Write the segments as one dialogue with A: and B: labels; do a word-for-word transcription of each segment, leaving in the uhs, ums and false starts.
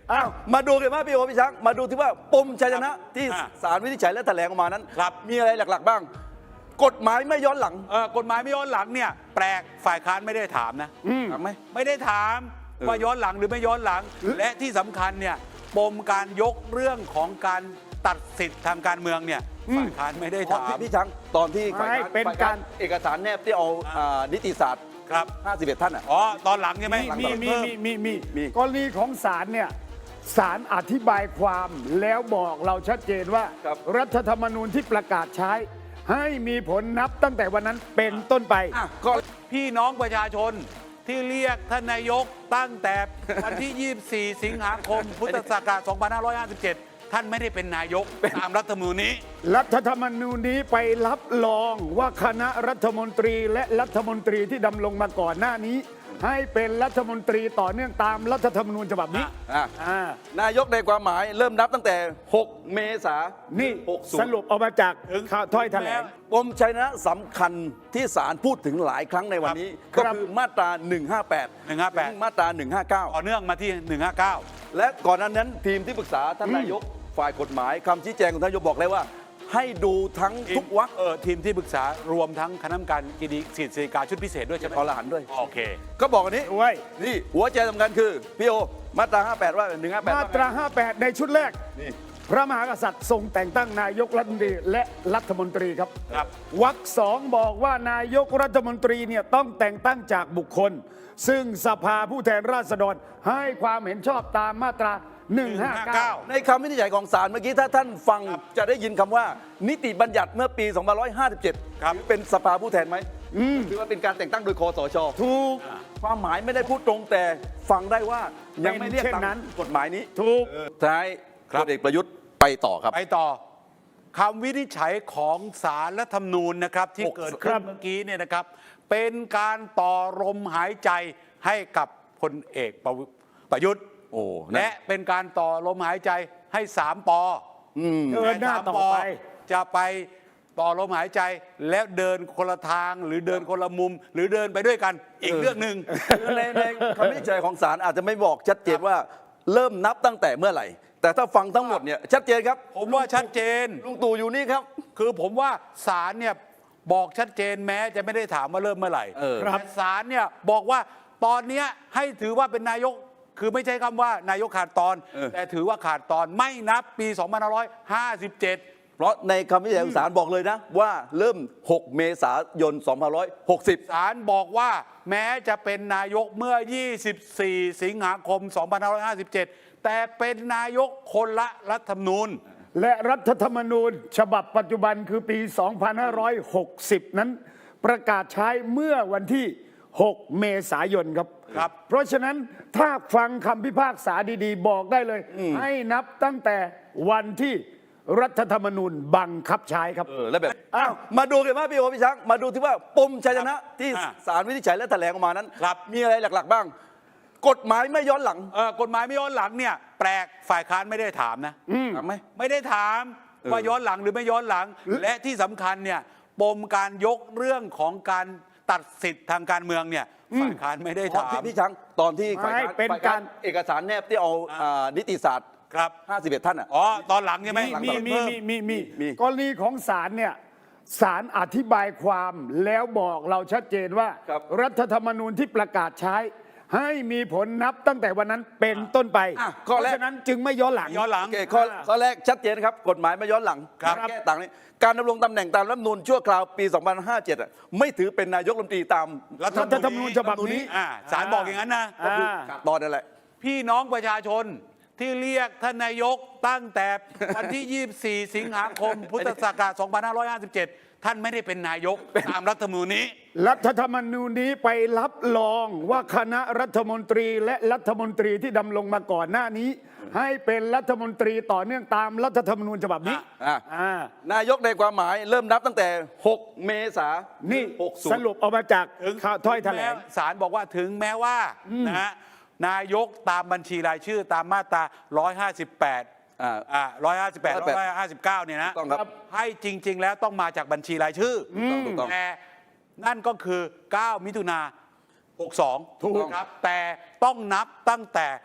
A: อ้าวมาดูกันว่าพี่โอพี่ช้างมาดูที่ว่าปมชัยชนะที่ศาลวินิจฉัยและแถลงออกมานั้นมีอะไรหลักๆบ้างกฎหมายไม่ย้อนหลัง
B: เออกฎหมายไม่ย้อนหลังเนี่ยแปลกฝ่ายค้านไม่ได้ถามนะ
A: ถามไหม
B: ไม่ได้ถามว่าย้อนหลังหรือไม่ย้อนหลังและที่สำคัญเนี่ยปมการยกเรื่องของการตัดสิทธิ์ทางการเมืองเนี่ยฝ่ายค้านไม่ได้ถาม
A: พี่ช้างตอนที่ฝ่ายค้านเป็นการเอกสารแนบที่เอานิติศาสตร์
B: ครับ
A: ห้าสิบเอ็ดท่านอ่ะ
B: อ๋อตอนหลังใช่ไหม
C: มีมีมีมีมีมีกรณีของศาลเนี่ยศาลอธิบายความแล้วบอกเราชัดเจนว่ารัฐธรรมนูญที่ประกาศใช้ให้มีผลนับตั้งแต่วันนั้นเป็นต้นไป
B: ก็พี่น้องประชาชนที่เรียกท่านนายกตั้งแต่วันที่ ยี่สิบสี่ สิงหาคม พุทธศักราช สองพันห้าร้อยห้าสิบเจ็ด ท่านไม่ได้เป็นนายกตามรัฐธรรมนูญนี้
C: รัฐธรรมนูญนี้ไปรับรองว่าคณะรัฐมนตรีและรัฐมนตรีที่ดำรงมาก่อนหน้านี้ให้เป็นรัฐมนตรีต่อเนื่องตามรัฐธรรมนูญฉบับนี้
A: นายกในความหมายเริ่มนับตั้งแต่หกเมษายน
C: นี่สรุปออกมาจากถ้อยแถลง
A: ปมชัยชนะสำคัญที่ศาลพูดถึงหลายครั้งในวันนี้ก็คือมาตราหนึ่งห้าแปด
B: หนึ่งห้าแปด
A: มาตราหนึ่งห้าเก้า
B: ต่อเนื่องมาที่หนึ่งห้าเก้า
A: และก่อนหน้านั้นทีมที่ปรึกษาท่านนายกฝ่ายกฎหมายคำชี้แจงของท่านนายกบอกเลยว่าให้ดูทั้งทุกวรรค
B: เออทีมที่ปรึกษารวมทั้งคณะกรรมการกิติสิทธิการชุดพิเศษด้วยใช่ไหม
A: ขอรหัสด้วย
B: โอเค
A: ก็บอกอันนี้นี่หัวใจสำคัญคือพี่โอมาตราห้าแปดว่าหนึ่งห้าแปด
C: มาตราห้าแปดในชุดแรกนี่พระมหากษัตริย์ทรงแต่งตั้งนายกรัฐมนตรีและรัฐมนตรีครับ
B: ครับ
C: วรรคสองบอกว่านายกรัฐมนตรีเนี่ยต้องแต่งตั้งจากบุคคลซึ่งสภาผู้แทนราษฎรให้ความเห็นชอบตามมาตราหนึ่งห้าเก้า
A: ในคำวินิจฉัยของศาลเมื่อกี้ถ้าท่านฟังจะได้ยินคำว่านิติบัญญัติเมื่อปีสองพันห้าร้อยห้าสิบเจ็ดถือเป็นสภาผู้แทนไหมถือว่าเป็นการแต่งตั้งโดยคสช
C: ถูก
A: ความหมายไม่ได้พูดตรงแต่ฟังได้ว่ายังไม่เรียกตามกฎหมายนี้
C: ถูก
A: ท้ายพลเอกประยุทธ์ไปต่อครับ
B: ไปต่อคำวินิจฉัยของศาลรัฐธรรมนูญนะครับที่เกิดขึ้นเมื่อกี้เนี่ยนะครับเป็นการต่อลมหายใจให้กับพลเอกประยุทธ์
A: โอ้
B: และเป็นการต่อลมหายใจให้สามปอ
C: เดินหน้าต่อไป
B: จะไปต่อลมหายใจแล้วเดินคนละทางหรือเดินคนละมุม หรือเดินไปด้วยกันอีกเรื่องหนึ่ง
A: ในในคำวินิจฉัยของศาลอาจจะไม่บอกชัดเจนว่าเริ่มนับตั้งแต่เมื่อไหร่แต่ถ้าฟังทั้งหมดเนี่ยชัดเจนครับ
B: ผมว่าชัดเจน
A: ลุงตู่อยู่นี่ครับ
B: คือผมว่าศาลเนี่ยบอกชัดเจนแม้จะไม่ได้ถามว่าเริ่มเมื่อไหร่แต่ศาลเนี่ยบอกว่าตอนนี้ให้ถือว่าเป็นนายกคือไม่ใช่คำว่านายกขาดตอนแต่ถือว่าขาดตอนไม่นับปีสองพันห้าร้อยห้าสิบเจ็ด
A: เพราะในคำวินิจฉัยของศาลบอกเลยนะว่าเริ่มหกเมษายนสองพันห้าร้อยหกสิบ
B: ศาลบอกว่าแม้จะเป็นนายกเมื่อยี่สิบสี่สิงหาคมสองพันห้าร้อยห้าสิบเจ็ดแต่เป็นนายกคนละรัฐธรรมนูญ
C: และรัฐธรรมนูญฉบับปัจจุบันคือปีสองพันห้าร้อยหกสิบนั้นประกาศใช้เมื่อวันที่หกเมษายนครับ
B: ครับ
C: เพราะฉะนั้นถ้าฟังคำพิพากษาดีๆบอกได้เลยให้นับตั้งแต่วันที่รัฐธรรมนูญบังคับใช้ครับ
A: เออแล้วแบบอ้าวมาดูกันว่าพี่โอพี่ช้างมาดูที่ว่าปมชัยชนะที่ศาลวินิจฉัยและแถลงออกมานั้นมีอะไรหลักๆบ้างกฎหมายไม่ย้อนหลัง
B: เออกฎหมายไม่ย้อนหลังเนี่ยแปลกฝ่ายค้านไม่ได้ถามนะ
A: ถามไหม
B: ไม่ได้ถามว่าย้อนหลังหรือไม่ย้อนหลังและที่สำคัญเนี่ยปมการยกเรื่องของการตัดสิทธิ์ทางการเมืองเนี่ยฝ่ายค้านไม่ได้ถาม
A: พี่ช้างตอนที่ฝ่ายค้านเป็นการเอกสารแนบที่เอานิติศาสตร์
B: ครับ
A: ห้าสิบเอ็ดท่านอ่ะ
B: อ๋อตอนหลังใช่ไหม
C: มีมีมีมีมีกรณีของศาลเนี่ยศาลอธิบายความแล้วบอกเราชัดเจนว่ารัฐธรรมนูญที่ประกาศใช้ให้มีผลนับตั้งแต่วันนั้นเป็นต้นไปเพราะฉะนั้นจึงไม่ย้อนหลัง
B: ย้อนหลัง
A: ข้อข้อแรกชัดเจนครับกฎหมายไม่ย้อนหลังแก้ต่างนี้การดำรงตำแหน่งตามรัฐธรรมนูญชั่วคราวปีสองพันห้าร้อยห้าสิบเจ็ดไม่ถือเป็นนายกรัฐมนตรีตาม
C: รัฐธรรมนูญฉบับนี้
B: ศาลบอกอย่างนั้นนะ
A: ตอนนั่นแหละ
B: พี่น้องประชาชนที่เรียกท่านนายกตั้งแต่วันที่ ยี่สิบสี่ สิงหาคม พุทธศักราช สองพันห้าร้อยห้าสิบเจ็ด ท่านไม่ได้เป็นนายกตามรัฐธรรมนูญนี้
C: รัฐธรรมนูญนี้ไปรับรองว่าคณะรัฐมนตรีและรัฐมนตรีที่ดำรงมาก่อนหน้านี้ให้เป็นรัฐมนตรีต่อเนื่องตามรัฐธรรมนูญฉบับนี้
A: นายกในความหมายเริ่มนับตั้งแต่หกเมษาย
C: นนี่สรุปออกมาจากถ้อยแถลง
B: ศาลบอกว่าถึงแม้ว่านะฮะนายกตามบัญชีรายชื่อตามมาตราหนึ่งร้อยห้าสิบแปดอ่าอ่าหนึ่งร้อยห้าสิบแปด หนึ่งร้อยห้าสิบเก้าเนี่ยนะให้จริงๆแล้วต้องมาจากบัญชีรายชื่อแต่นั่นก็คือเก้ามิถุนาหกสิบสองถูกครับแต่ต้องนับตั้งแต่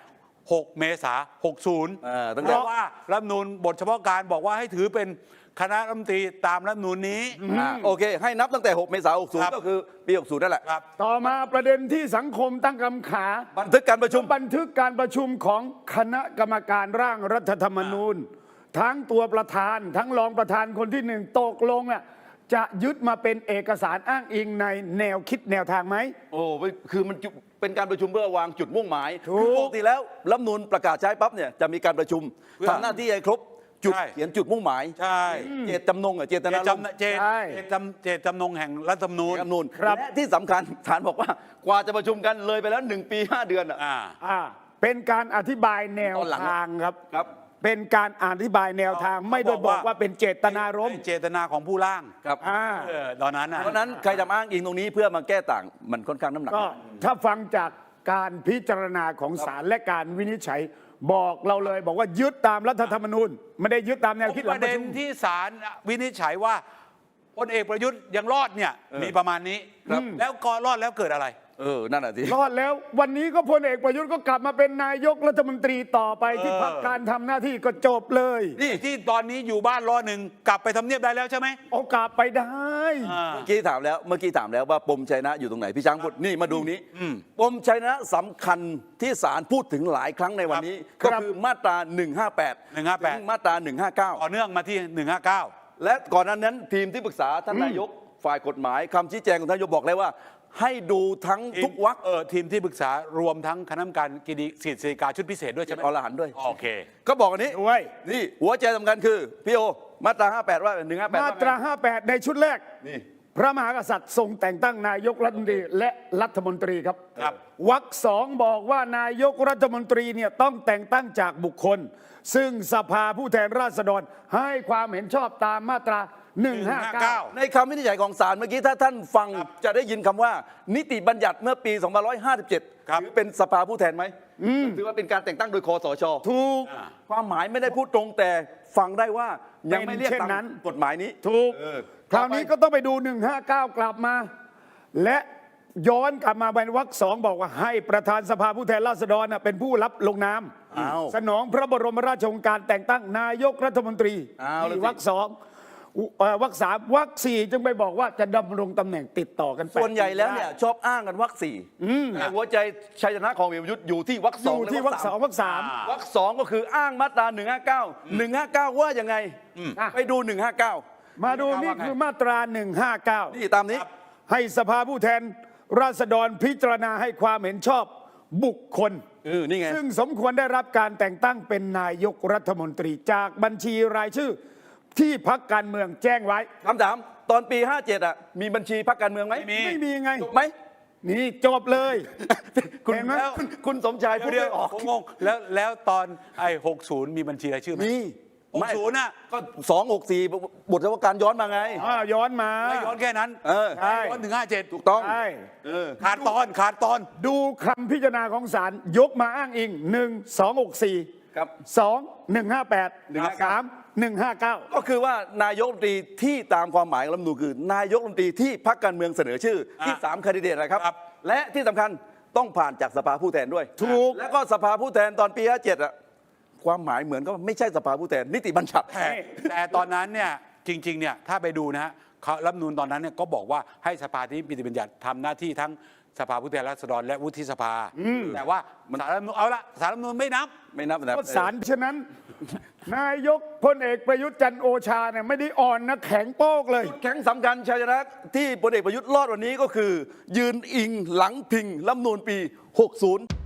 B: หกเมษายนหกสิบ
A: อ่าตั้ง
B: เพ
A: แต่
B: ราะว่ารัฐธรรมนูญบทเฉพาะการบอกว่าให้ถือเป็นคณะรัฐมนตรีตามรัฐธรรมนูญนี้
A: อ่าโอเค ให้นับตั้งแต่ หก เมษายน
B: ครับ
A: หกสิบ ก็คือปี หกสิบ นั่นแหละ
B: ครับ
C: ต่อมาประเด็นที่สังคมตั้งคำขา
A: บันทึกการประชุม
C: บันทึกการประชุมของคณะกรรมการร่างรัฐธรรมนูญ ทั้งตัวประธาน ทั้งรองประธานคนที่หนึ่งตกลงอ่ะจะยึดมาเป็นเอกสารอ้างอิงในแนวคิดแนวทางไหม
A: โอ้ไม่คือมันจุเป็นการประชุมเพื่อวางจุดมุ่งหมาย
C: ถูก
A: คือปกติแล้วรัฐธรรมนูญประกาศใช้ปั๊บเนี่ยจะมีการประชุม
B: เพื่อ
A: ทำหน้าที่ให้ครบจุด
B: ใช่
A: เขียนจุดมุ่งหมาย
B: ใช่
A: เจตจำนงอะเจต
B: เจ
A: นา
B: ต
A: รมณ์
B: จำเจต
C: ใช่
B: เจตจำเจตจำนงแห่งรัฐธรรมนูญ
A: รัฐธรรมนูญ
C: ครับ
A: และที่สำคัญศาลบอกว่ากว่าจะประชุมกันเลยไปแล้วหนึ่งปีห้าเดือนอะ
B: อ่า
C: อ่าเป็นการอธิบายแนว
A: ตอนหลัง
C: ทางครับ
A: ครับ
C: เป็นการอธิบายแนวทาง
B: เขา
C: ไม่ได้
B: บบ อ
C: อก ก
B: ว่า
C: ว่าเป็นเจตนารมณ์
B: เจตนาของผู้ร่าง
A: ครับ
C: อ่า
B: เออตอนนั้นนะ
A: เพราะฉะนั้นใครจะมาอ้างอิงตรงนี้เพื่อมาแก้ต่างมันค่อนข้างน้ำหนัก
C: ก็ถ้าฟังจากการพิจารณาของศาลและการวินิจฉัยบอกเราเลย บอกว่ายึดตามรัฐธรรมนูญไม่ได้ยึดตามแนวคิดห
B: ป
C: ลัง
B: ระ
C: ประ
B: เด็น
C: ชุม
B: ที่ศาลวินิจฉัยว่าพลเอกประยุทธ์ยังรอดเนี่ยมีประมาณนี้
A: ครับ
B: แล้วก็รอดแล้วเกิดอะไร
A: เออนั่นแหะสิ
C: รอดแล้ววันนี้ก็พลเอกประยุทธ์ก็กลับมาเป็นนายกรัฐมนตรีต่อไปที่พักการทำหน้าที่ก็จบเลย
B: นี่ที่ตอนนี้อยู่บ้านรอหนึ่งกลับไปทำเนียบได้แล้วใช่ไหม
C: โอกาสไปได้
B: อ่า
A: เมื่อกี้ถามแล้วเมื่อกี้ถามแล้วว่าปมชัยนะอยู่ตรงไหนพี่ช้างพูดนี่มาดูนี้ปมชัยนะสำคัญที่ศาลพูดถึงหลายครั้งในวันนี้
C: ครั
A: ก็
C: บ
A: คือมาตราหนึ่งห้าแปด
B: หนึ่งห้าแปด
A: ถึงมาตราหนึ่งห้าเก้า
B: ต่อเนื่องมาที่หนึ่งห้าเก้า
A: และก่อนหนั้นนั้นทีมที่ปรึกษาท่านนายกฝ่ายกฎหมายคำชี้แจงของท่านนายกบอกแล้วว่า ให้ดูทั้งทุกวรรค
B: เออทีมที่ปรึกษารวมทั้งคณะกรรมการกิจสิทธิกาชุดพิเศษด้วยใช่ไหม
A: อรหันต์ด้วย
B: โอเค
A: ก็บอกอันนี้
C: ด้วย
A: นี่หัวใจสำคัญคือพี่โอมาตราห้าแปดว่าหนึ่งห้าแปด
C: มาตราห้าแปดในชุดแรก
A: นี่
C: พระมหากษัตริย์ทรงแต่งตั้งนายกรัฐมนตรีและรัฐมนตรีครับ
B: ครับ
C: วรรคสองบอกว่านายกรัฐมนตรีเนี่ยต้องแต่งตั้งจากบุคคล ซึ่งสภาผู้แทนราษฎรให้ความเห็นชอบตามมาตราหนึ่งห้าเก้า
A: ในคำวินิจฉัยของศาลเมื่อกี้ถ้าท่านฟังจะได้ยินคำว่า นิติบัญญัติเมื่อปีสองพันห้าร้อยห้าสิบเจ็ด
B: ครับ
A: ถือเป็นสภาผู้แทนไหมถือว่าเป็นการแต่งตั้งโดยคอสช
C: ถูก
A: ความหมายไม่ได้พูดตรงแต่ฟังได้ว่ายังไม่เรียก
C: เป็นเช่
A: ตาม
C: นนั้น
A: กฎหมายนี้
C: ถูก
A: เออ
C: คราวนี้ก็ต้องไปดูหนึ่งห้าเก้ากลับมา และย้อนกลับมาเป็นวรรคสองบอกว่าให้ประธานสภาผู้แทนราษฎรน่ะเป็นผู้รับลงนาม
A: อ้าว
C: สนองพระบรมราชโองการแต่งตั้งนายกรัฐมนตรี
A: อ้าวแล้วสิ
C: นี่วรรคสองอุเอ่อวรรคสามวรรคสี่จึงไปบอกว่าจะดำรงตำแหน่งติดต่อกันแปด
A: ส่วนใหญ่แล้วเนี่ย
C: ปี
A: ชอบอ้างกันวรรคสี่แต่หัวใจชัยชนะของพลเอกประยุทธ์อยู่ที่วรรคส
C: อ
A: อง
C: ยู่
A: และ
C: ที่วรรคสองวรรคสาม
B: อ่า
A: วรรคสองก็คืออ้างมาตราหนึ่งห้าเก้าหนึ่งห้าเก้าว่ายังไง
C: อ่ะ
A: ไปดูหนึ่งห้าเก้า
C: มาดูนี่คือมาตราหนึ่งห้าเก้า
A: นี่ตามนี้
C: ให้สภาผู้แทนราษฎรพิจารณาให้ความเห็นชอบบุคคล
A: เออนี่ไง
C: ซึ่งสมควรได้รับการแต่งตั้งเป็นนายกรัฐมนตรีจากบัญชีรายชื่อ ที่พักการเมืองแจ้งไว้
A: คำถามตอนปีห้าเจ็ดอ่ะมีบัญชีพรรคการเมืองไหม
B: ไม่มี
C: ไม่มีไง
A: ถูกไหม
C: นี่จบเลย
A: คุณ
C: เห็นไหม
A: คุณคุณสมชายพูด
B: เดี๋ยว
A: ไม่ออก
B: ผมงงแล้วแล้วตอนไอ้หกศูนย์มีบัญชีรายชื่อไหม
A: มี
B: หกศูนย์น่ะ
A: ก็สองหกสี่บทเฉพาะการย้อนมาไง
C: อ่าย้อนมา
B: ไม่ย้อนแค่นั้น
A: เออ
C: ใช่
B: ย้อนถึงห้าเจ็ด
A: ถูกต้อง
C: ใช่
A: เออ
B: ขาดตอนขาดตอน
C: ดูคำพิจารณาของศาลยกมาอ้างอิงหนึ่งสองหกสี่
A: ครับ
C: สองหนึ่งห้าแปด
A: หนึ่งห้าเก้า
C: สามหนึ่งห้าเก้า
A: ก็คือว่านายกรัฐมนตรีที่ตามความหมายของรัฐธรรมนูญคือ นายกรัฐมนตรีที่พรรคการเมืองเสนอชื่อที่
B: อ่ะ
A: สามแคนดิเดตนะครับ
B: ครับ
A: และที่สำคัญต้องผ่านจากสภาผู้แทนด้วย
C: ถูก
A: แล้วก็สภาผู้แทนตอนปีห้าเจ็ดอ่ะความหมายเหมือนก็ไม่ใช่สภาผู้แทนนิติบัญญัติ
B: แต่แต่ตอนนั้นเนี่ยจริงๆเนี่ยถ้าไปดูนะฮะเขารัฐธรรมนูญตอนนั้นเนี่ยก็บอกว่าให้สภาที่นิติบัญญัติทำหน้าที่ทั้งสภาผู้แทนราษฎรและวุฒิสภา แต่ว่าสารรัฐธรรมนูญเอาละสารรัฐธรรมนูญไม่นับ
A: ไม่นับนะ
C: ก็ศาลฉะนั้น นายกพลเอกประยุทธ์จันทร์โอชาเนี่ยไม่ได้อ่อนนะแข็งโป๊กเลย
A: จุดแข็งสำคัญชัยชนะที่พลเอกประยุทธ์รอดวันนี้ก็คือ ยืนอิงหลังพิงรัฐธรรมนูญปีหกสิบ